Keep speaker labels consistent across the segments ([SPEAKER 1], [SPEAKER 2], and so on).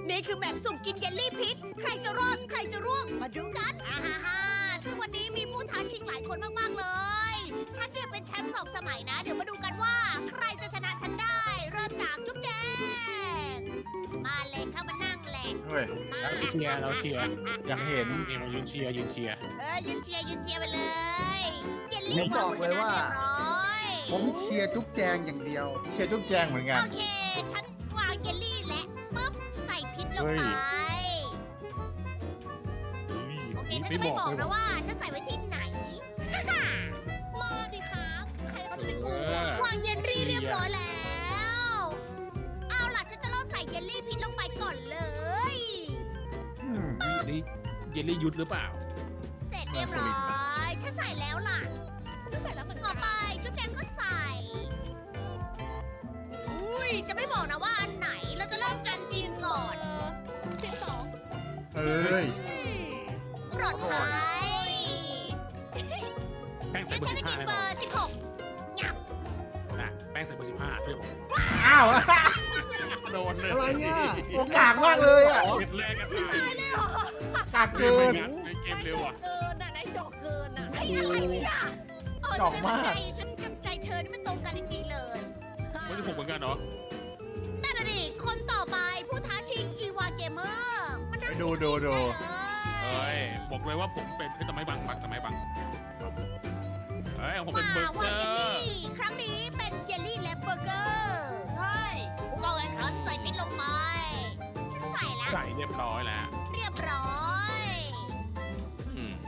[SPEAKER 1] นี่คือแมปสุ่มกินเยลลี่พิษ ใครจะรอด ใครจะร่วง มาดูกันฮ่าซึ่งวันนี้มีผู้ท้าชิงหลายคนมากๆเลย ฉันเนี่ยเป็นแชมป์2 สมัยนะ เดี๋ยวมาดูกันว่า ใครจะชนะฉันได้ เริ่มจากจุ๊บแดง มาเลยเข้ามานั่งแหละ
[SPEAKER 2] เฮ้ย
[SPEAKER 1] มา
[SPEAKER 3] เราเชียร์
[SPEAKER 2] อยากเห็น
[SPEAKER 3] นี่มายืนเชียร์
[SPEAKER 1] ยืนเชียร์ไปเลย เยลลี่
[SPEAKER 4] ผมบอกเลยว่า
[SPEAKER 1] เรียบร้อย
[SPEAKER 4] ผมเชียร์จุ๊บแจงอย่างเดียว
[SPEAKER 2] เชียร์จุ๊บแจงเหมือนกัน
[SPEAKER 1] โอเค ฉันวางเยลลี่และปุ๊บใส่พิษลง
[SPEAKER 2] เฮ้
[SPEAKER 1] ไป
[SPEAKER 2] ย
[SPEAKER 1] โอเคฉันจะไม่บอกนะว่าฉันใส่ไว้ที่ไหน มาดิครับ ใครเขาจะไปกลัววางเยลลี่เรียบร้อยแล้ว เอาล่ะฉันจะเริ่มใส่เยลลี่พิษลงไปก่อนเลย
[SPEAKER 3] นี่เยลลี่ยุทธหรือเปล่า
[SPEAKER 1] เสร็จเรียบร้อยฉันใส่แล้วล่ะฉันใส่แล้วเหมือนกันต่อไปจุ๊บแจงก็ใส่ อุ้ยจะไม่บอกนะว่าอันไหนเราจะเริ่มกันกินก่อนเสียง2
[SPEAKER 2] เอ้ย
[SPEAKER 1] ปลอดภัย
[SPEAKER 3] แป้งใส่
[SPEAKER 1] งั้น
[SPEAKER 3] เบอ
[SPEAKER 1] ฉัน
[SPEAKER 3] ร์
[SPEAKER 1] จะ
[SPEAKER 3] 15
[SPEAKER 1] กิน
[SPEAKER 3] ให้
[SPEAKER 1] เบ
[SPEAKER 3] ผ
[SPEAKER 1] อ
[SPEAKER 3] ม
[SPEAKER 1] ร์16งับ
[SPEAKER 3] นะแป้งใส่เบอร์15เพื่อนผม
[SPEAKER 2] อ้าว
[SPEAKER 3] โดนเลย
[SPEAKER 4] อะไรเนี่ย
[SPEAKER 2] โอกากมากเลยอ่ะ
[SPEAKER 3] เกมแรกกันตาย
[SPEAKER 2] กาก
[SPEAKER 3] เก
[SPEAKER 2] เกิ
[SPEAKER 3] มไม่
[SPEAKER 2] น
[SPEAKER 3] งัดในเกมเร็วอ่ะ
[SPEAKER 1] เกินอ่ะนายจอกเกินอ่ะไอ้อะไรเนี่ย
[SPEAKER 2] จอกมาก
[SPEAKER 1] ฉันกับใจเธอนี่มันตรงกันจริงๆเลย
[SPEAKER 3] ไม่ใช่ผมเหมือนกันเหรอ
[SPEAKER 1] นั่นน่ะดิคนต่อไปผู้ท้าชิงอีวาเกมเมอร์มันเริ่ม
[SPEAKER 2] ดู
[SPEAKER 3] เฮ้ยบอกเลยว่าผมเป็นทำไมบังทำไมบังเฮ้ยผมเป็นเบอร์เก
[SPEAKER 1] วา
[SPEAKER 3] อ
[SPEAKER 1] เยล
[SPEAKER 3] ร์
[SPEAKER 1] ลี่ครั้งนี้เป็นเยลลี่และเบอร์เกอร์ใช่ผู้กองแข่งขันใส่พิษลงไปฉันใส่แล้ว
[SPEAKER 3] ใส่เรียบร้อยแล้ว
[SPEAKER 1] เรียบร้อย
[SPEAKER 3] อืม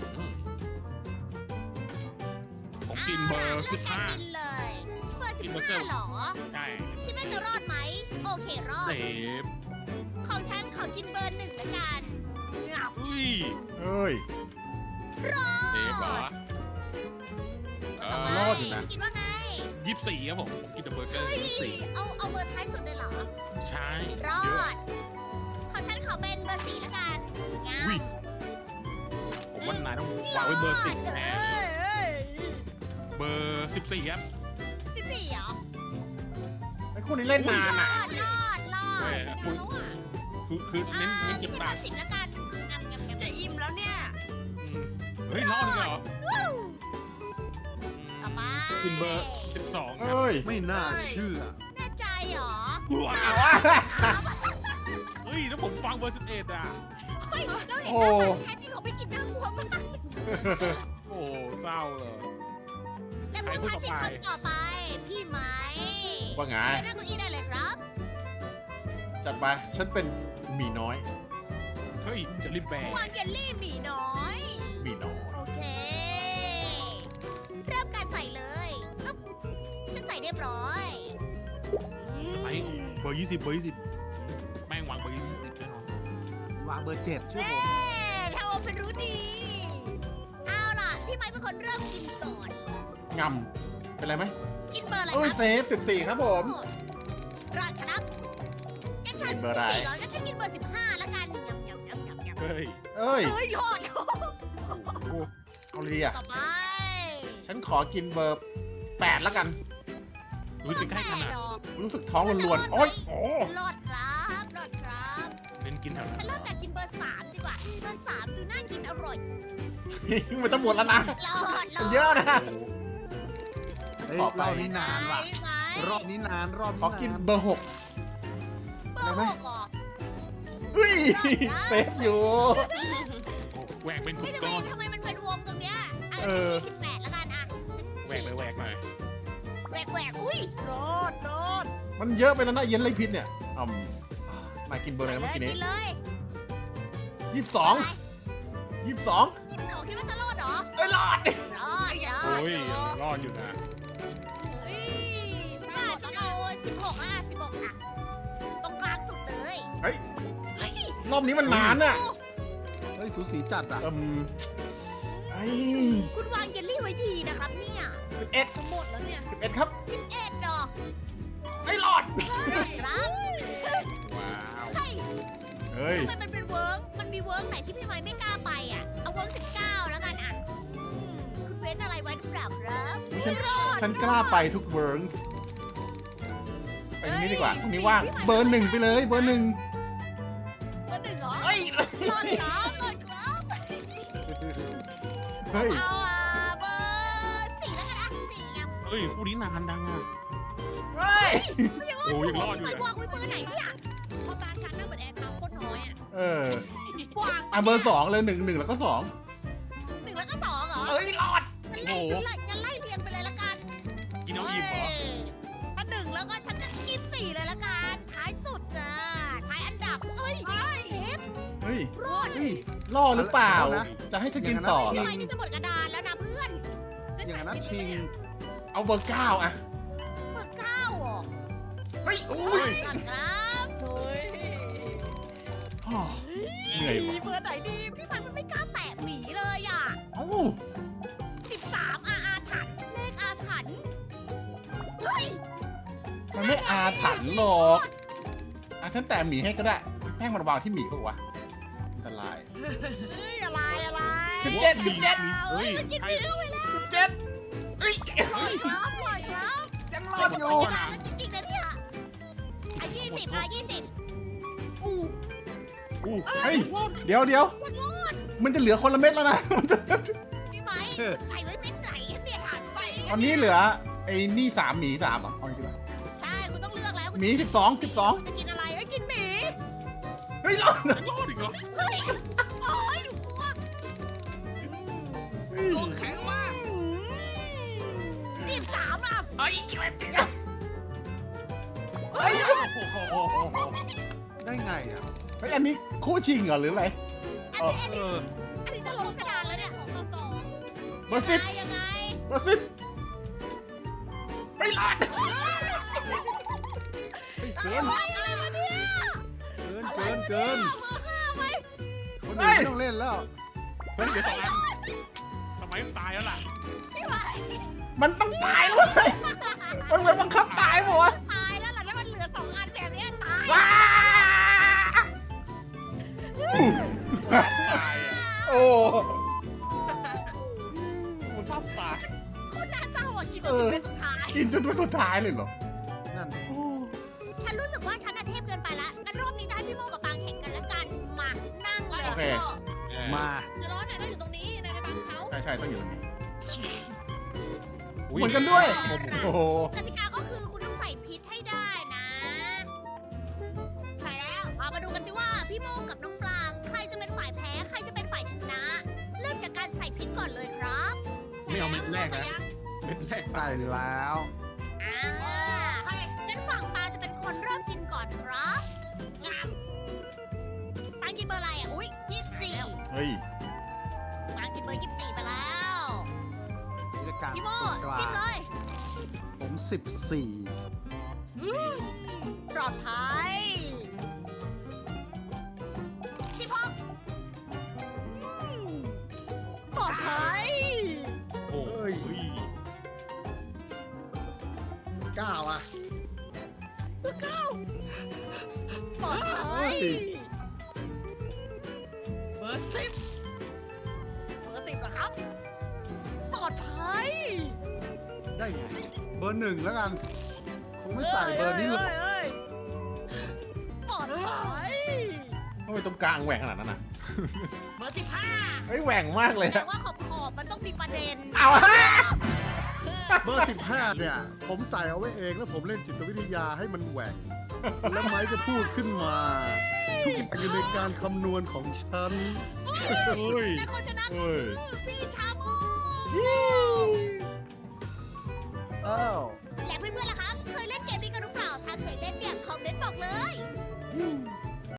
[SPEAKER 3] ผมกินเบอร์
[SPEAKER 1] เลือกการกินเลยเบอร์
[SPEAKER 3] กินเบอร์เกอร์
[SPEAKER 1] 15เหรอ
[SPEAKER 3] ใช่
[SPEAKER 1] คิดว่าจะรอดไหมโอเครอด
[SPEAKER 3] เซฟ
[SPEAKER 1] ของฉันขอกินเบอร์1แล้วกันงับ
[SPEAKER 3] อุ้ย
[SPEAKER 2] เอ้ย
[SPEAKER 1] รอ
[SPEAKER 3] เซฟเหรอ
[SPEAKER 1] ดต่อไป
[SPEAKER 2] รอดอยู่นะ
[SPEAKER 1] คิดว่าไง
[SPEAKER 3] 24ครับผมกินแต่เบอร์เกอร์
[SPEAKER 1] เฮ้ย
[SPEAKER 3] 24
[SPEAKER 1] เอาเบอร์ท้ายสุดเลยเหรอ
[SPEAKER 3] ใช่
[SPEAKER 1] รอ
[SPEAKER 3] เยอะ
[SPEAKER 1] ดของฉันขอเป็นเบอร์4แล้วกันงั
[SPEAKER 3] อุ้ย
[SPEAKER 1] บ
[SPEAKER 3] ผมว่านายต้องวางไว้เบอร์10แทนเบอร์14ครับ
[SPEAKER 1] 14เหรอ
[SPEAKER 2] ไอ้คู่นี้เล่นนานอ่ะ
[SPEAKER 1] รอด
[SPEAKER 3] เฮ้ย
[SPEAKER 1] ไม่รู้อ่ะ
[SPEAKER 3] คือเน้น
[SPEAKER 1] ไม่
[SPEAKER 3] เก็บ
[SPEAKER 1] ใช่เบ
[SPEAKER 3] ตั
[SPEAKER 1] อง ร์10แล้วกันงับจะอิ่มแล้วเนี่ย
[SPEAKER 3] เฮ้ยรอดเลยเหรอ
[SPEAKER 1] ต่อไป
[SPEAKER 3] กินเบอร์12ครับ
[SPEAKER 2] เอ้ย
[SPEAKER 4] ไม่น่าเชื่อ
[SPEAKER 1] แน่ใจเหรอ
[SPEAKER 3] ว้า
[SPEAKER 2] เอา
[SPEAKER 3] ว
[SPEAKER 2] วะ
[SPEAKER 3] เฮ้ยแล้วผมฟังเบอร์11อ่ะ
[SPEAKER 1] เฮ้ยเราเห็น
[SPEAKER 2] โอ้
[SPEAKER 1] หน้ามันแท้จริงเขาไม่กินน่ากลัวมาก
[SPEAKER 3] โอ้เศร้าเลย
[SPEAKER 1] และผู้ท้าชิงคนต่อไป พี่ไหม
[SPEAKER 2] ว่าไง
[SPEAKER 1] เชิญนั่งเก้าอี้ได้เลยครับ
[SPEAKER 2] จัดไป ฉันเป็นหมีน้อย
[SPEAKER 3] เฮ้ยจะรีบแบก
[SPEAKER 1] วางเยลลี่หมีน้อย
[SPEAKER 2] หมีน้อย
[SPEAKER 1] โอเค เริ่มการใส่เลยอึ๊บฉันใส่เรียบร้อย
[SPEAKER 3] ไอ้เบอร์20เบอร์20แม่งวางเบอร์20แน่นอน
[SPEAKER 4] วางเบอร์7ชื่อ
[SPEAKER 1] เน่
[SPEAKER 4] ผม
[SPEAKER 1] ทำเอาเป็นรู้ดี เอาล่ะ พี่ไม้เป็นคนเริ่มกินก่อน
[SPEAKER 2] งำเป็นไรไหม
[SPEAKER 1] กินเบอร์อะไร
[SPEAKER 2] เอ้ย
[SPEAKER 1] ครับ
[SPEAKER 2] เซฟ14ครับผม
[SPEAKER 1] รอดครับงั้นฉัน
[SPEAKER 2] กินเบอร์อะไร
[SPEAKER 1] 14งั้นฉันกินเบอร์15แล้วกันยำ
[SPEAKER 3] เฮ้ย
[SPEAKER 2] เอ้ย
[SPEAKER 1] เฮ้ยรอด
[SPEAKER 3] โอ้
[SPEAKER 2] เอาเลยอ่ะ
[SPEAKER 1] ต่อไป
[SPEAKER 2] ฉันขอกินเบอร์8แล้วกัน
[SPEAKER 3] รู้สึกใกล้ขนาด
[SPEAKER 1] ดอก
[SPEAKER 2] รู้สึกท้องรวนๆโอ้ยโอ้
[SPEAKER 1] รอดครับรอดครับ
[SPEAKER 3] เน้นกินแถวนั้
[SPEAKER 1] ฉัน
[SPEAKER 3] น
[SPEAKER 1] เริ่มจากกินเบอร์3ดีกว่า เบอร์3ดูน่ากินอร่อย
[SPEAKER 2] มันจะหมดแล้วนะ
[SPEAKER 1] รอด
[SPEAKER 2] มันเยอะนะ
[SPEAKER 4] เฮ้ย
[SPEAKER 2] ต่อ
[SPEAKER 4] ร
[SPEAKER 2] ไป
[SPEAKER 4] อบนี้นานว่ะ
[SPEAKER 1] ไหม
[SPEAKER 4] รอบนี้นานรอบ
[SPEAKER 2] ขอ
[SPEAKER 4] นี้
[SPEAKER 2] กิน
[SPEAKER 4] นาน
[SPEAKER 2] เบอร์6
[SPEAKER 1] เบอร์6เหรอ
[SPEAKER 2] เฮ้ย เซฟอยู่
[SPEAKER 3] โอ้แหวกเป็นก
[SPEAKER 1] เฮ้
[SPEAKER 3] ลุ่
[SPEAKER 1] ย
[SPEAKER 3] ม
[SPEAKER 1] ทำไม
[SPEAKER 3] ก้อน
[SPEAKER 1] มันเป็นวงตรงเนี้ยอ่ะ
[SPEAKER 2] เออ
[SPEAKER 1] ฉัน28แล้วกันอ่ะ
[SPEAKER 3] แหวกเลยแหวกหน่อย
[SPEAKER 1] แหวกอุ้ยรอด
[SPEAKER 2] มันเยอะไปแล้วนะเย็นไรพิษเนี่ยอืมนายกินเบอร์อะไรนะเมื่อกี้นี้
[SPEAKER 1] กินเลย
[SPEAKER 2] 22 22
[SPEAKER 1] กินเหรอคิดว่าจะรอดเหรอ
[SPEAKER 2] เอ้ยรอด
[SPEAKER 1] รอด
[SPEAKER 3] โอ้ยรอดอยู่นะ
[SPEAKER 1] เฮ้ยฉันว่าฉันเอา16อ่ะ16อ่ะตรงกลางสุดเลย
[SPEAKER 2] เฮ้ย
[SPEAKER 1] เฮ้ย
[SPEAKER 2] รอบนี้มันนานน่ะ
[SPEAKER 4] เฮ้ยสูสีจัดอ่ะ
[SPEAKER 2] ไอ้
[SPEAKER 1] คุณวางเยลลี่ไว้ดีนะครับเนี่ย
[SPEAKER 2] 11
[SPEAKER 1] จะหมดแล้วเนี่ย
[SPEAKER 2] 11ครับ
[SPEAKER 1] 11ดอก
[SPEAKER 2] ไอ้ยรอด
[SPEAKER 1] ครับ
[SPEAKER 3] ว้าว
[SPEAKER 1] เฮ้ย
[SPEAKER 2] เฮ้ย
[SPEAKER 1] ทำไมมันเป็นเวิร์กมันมีเวิร์กไหนที่พี่ไม้ไม่กล้าไปอ่ะ เอาเวิร์ก19แล้วกันอ่ะคุณเว้นอะไรไว้หรือเปล่าครับ
[SPEAKER 2] ฉันกล้าไปทุกเวิร์กไปตรงนี้ดีกว่าตรงนี้ว่าง เบอร์ 1 ไปเลย เบอร์ 1
[SPEAKER 1] รอดครับรอดครับ
[SPEAKER 2] เฮ้ย
[SPEAKER 1] เอาเบอร์4แล้วกันนะ4ยัง
[SPEAKER 3] เฮ้ยคู่นี้นานดังอ่ะ
[SPEAKER 2] เฮ้ย
[SPEAKER 3] โอ้ยังรอดอยู่
[SPEAKER 1] ไอ้
[SPEAKER 3] เลย
[SPEAKER 1] กวางไว้เบอร์ไหนเนี่ย
[SPEAKER 5] พอตาฉันนั่งเหมือนแอร์เท้าโคตรน้อยอ่ะ
[SPEAKER 2] เออก
[SPEAKER 1] วาง
[SPEAKER 2] อ่ะเบอร์สองเลยหนึ่งแล้วก็สอง
[SPEAKER 1] 1แล้วก็2เหรอ
[SPEAKER 2] เอ้ยรอด
[SPEAKER 1] งั้นไล่เรียงไปเลยละกัน
[SPEAKER 3] กินเอาอิ่มเหรอ
[SPEAKER 1] ถ้า1แล้วก็ฉันจะกิน4เลยละกันท้ายสุดนะท้ายอันดับเอ้ยเทป
[SPEAKER 2] เฮ้ย
[SPEAKER 1] รอด
[SPEAKER 2] ล่อหรือเปล่า
[SPEAKER 4] เอานะ
[SPEAKER 2] จะให้ฉันกินต่อเหร
[SPEAKER 1] ทำ
[SPEAKER 2] อ
[SPEAKER 1] ไมนี่จะหมดกระดานแล้วนะเพื่อน
[SPEAKER 4] อย่างนั้นชิง
[SPEAKER 2] เอาเบอร์เก้าอะ
[SPEAKER 1] เบอร์9เหรอ
[SPEAKER 2] เฮ้ยอุ้ย
[SPEAKER 1] สั่นครับ
[SPEAKER 5] เฮ้ย
[SPEAKER 2] ฮ่อเหนื่อยว่ะ
[SPEAKER 1] เบอร์ไหนดีพี่พันมันไม่กล้าแตะหมีเลยอ่ะ
[SPEAKER 2] เอ้า
[SPEAKER 1] 13อาถรรพ์เลขอาถรรพ์เฮ้ย
[SPEAKER 2] มันไม่อาถรรพ์หรอกอ่ะฉันแตะหมีให้ก็ได้แป้งมันวางที่หมีก็วะอันตราย
[SPEAKER 1] เฮ้ยอะไรอะไร
[SPEAKER 2] 17
[SPEAKER 3] เฮ้ย
[SPEAKER 1] มันกิน
[SPEAKER 3] ใช่
[SPEAKER 1] พี่ด้วยแล้ว
[SPEAKER 2] เอ้ย
[SPEAKER 1] ปล่อยครับปล่อยครับ
[SPEAKER 2] ยังรอดอยู่
[SPEAKER 1] แล้วจริงๆนะเนี่ยอ่ะ20อ่ะ20อู้
[SPEAKER 3] อู้
[SPEAKER 2] เฮ้ยเดี๋ยว
[SPEAKER 1] มันรอด
[SPEAKER 2] มันจะเหลือคนละเม็ดแล้วนะ
[SPEAKER 1] พี่ไหมใส่ไว้เม็ดไหนเนี่ยถามใส่
[SPEAKER 2] ตอนนี้เหลือไอ้นี่3หมี3อ่ะเอาอย่างนี้ดีกว่า
[SPEAKER 1] ใช่คุณต้องเลือกแล้ว
[SPEAKER 2] หมี12
[SPEAKER 1] คุณจะกินอะไรกินหมี
[SPEAKER 2] เฮ้ยรอด
[SPEAKER 3] ยังรอดอีกเหรอ
[SPEAKER 1] เฮ้ยโอ้ยหนูกลัว
[SPEAKER 3] โอ้แข็งมาก
[SPEAKER 1] 13อ่ะ
[SPEAKER 2] เฮ้ย
[SPEAKER 3] โอ้โห
[SPEAKER 4] ได้ไงอ่ะ
[SPEAKER 2] เฮ้ยอันนี้คู่ชิงเหรอหรืออะไร
[SPEAKER 1] อันนี้จะลงกระดานแล้วเนี่ย
[SPEAKER 2] เบอร์สิบ
[SPEAKER 1] ยังไง
[SPEAKER 2] เบอร์สิบไม่รอด
[SPEAKER 4] เกิน
[SPEAKER 1] อะไรวะเนี่ย
[SPEAKER 4] เกิน
[SPEAKER 1] เบอร์5ไหม
[SPEAKER 4] คนอื่นไม่ต้องเล่นแล้ว
[SPEAKER 3] เฮ้ยเดี๋ยว2 อันทำไมตายแล้วล่ะ
[SPEAKER 1] พี่ไหว
[SPEAKER 2] มันต้องตายเลยมันเหมือนบังคับตายหมด
[SPEAKER 1] ตายแล้วล่ะแล้วมันเหลือ2อันแบบนี้ตาย
[SPEAKER 2] ว้า
[SPEAKER 3] ตายอ่ะ
[SPEAKER 2] โอ้
[SPEAKER 3] มันชอบตาย
[SPEAKER 1] คุณน่าจะโหดกินจนถึงเป็นสุดท้าย
[SPEAKER 2] กินจนเป็นสุดท้ายเลยเหรอ
[SPEAKER 4] นั่น
[SPEAKER 1] ฉันรู้สึกว่าฉันน่ะเทพเกินไปละงั้นรอบนี้จะให้พี่โมกับปางแข่งกันแล้วกันมานั่งเลย
[SPEAKER 2] โอเค
[SPEAKER 4] มา
[SPEAKER 5] จะร้อนไหนต้องอยู่ตรงนี้นายไปบังเขา
[SPEAKER 2] ใช่ต้องอยู่ตรงนี้
[SPEAKER 3] อุ้
[SPEAKER 2] เหมือนกันด้วย โอ้โห
[SPEAKER 1] กติกาก็คือคุณต้องใส่พิษให้ได้นะ ใส่แล้วมาดูกันสิว่าพี่โมกับน้องปลางใครจะเป็นฝ่ายแพ้ใครจะเป็นฝ่ายชนะ เริ่มจากการใส่พิษก่อนเลยครับ
[SPEAKER 3] ไม่เอาเม็ดแรกนะเม็ดแรก
[SPEAKER 4] ใส่แล้ว
[SPEAKER 1] อ่างั้นฝั่งปลาจะเป็นคนเริ่มกินก่อนครับงามปางกินเบอร์อะไรอ่ะอุ้ย24
[SPEAKER 2] เฮ้ย
[SPEAKER 1] ปางกินเบอร์24ไปแล้ว
[SPEAKER 4] กิจการ
[SPEAKER 1] พี่โม
[SPEAKER 4] ตรงกลา
[SPEAKER 1] กิน
[SPEAKER 4] ง
[SPEAKER 1] เลย
[SPEAKER 4] ผม14
[SPEAKER 1] ปลอดภัย16ปลอดภัย
[SPEAKER 3] โอ้ย
[SPEAKER 4] 9อ่ะ
[SPEAKER 1] ปลอดภัย
[SPEAKER 4] เฮ้ย
[SPEAKER 1] เบอร์10เหรอครับ ปลอดภัย
[SPEAKER 4] ได้ไง เบอร์หนึ่งแล้วกัน คงไม่ใส่เบอร์นี้หรอก
[SPEAKER 1] ปลอดภัย
[SPEAKER 2] ทำไมตรงกลางแหว่งขนาดนั้นน่ะ
[SPEAKER 1] เบอร์15
[SPEAKER 2] เฮ้ยแหว่งมากเลย
[SPEAKER 1] แต่
[SPEAKER 2] อะ
[SPEAKER 1] ว่าขอบมันต้องมีประเด็น
[SPEAKER 2] เอาฮะ
[SPEAKER 4] เบอร์15เนี่ย ผมใส่เอาไว้เองแล้วผมเล่นจิตวิทยาให้มันแหวกแล้วไม้ก็พูดขึ้นมา ทุกอย่างอยู่ในการคำนวณของฉัน
[SPEAKER 3] เฮ้ย
[SPEAKER 1] และคนชนะก็
[SPEAKER 2] เฮ้ย
[SPEAKER 1] คือพี่ชาโม
[SPEAKER 4] อ้าว
[SPEAKER 1] และเพื่อนๆล่ะครับ เคยเล่นเกมนี้กันหรือเปล่า ถ้าเคยเล่นเนี่ย คอมเมนต์บอกเลย
[SPEAKER 4] อืม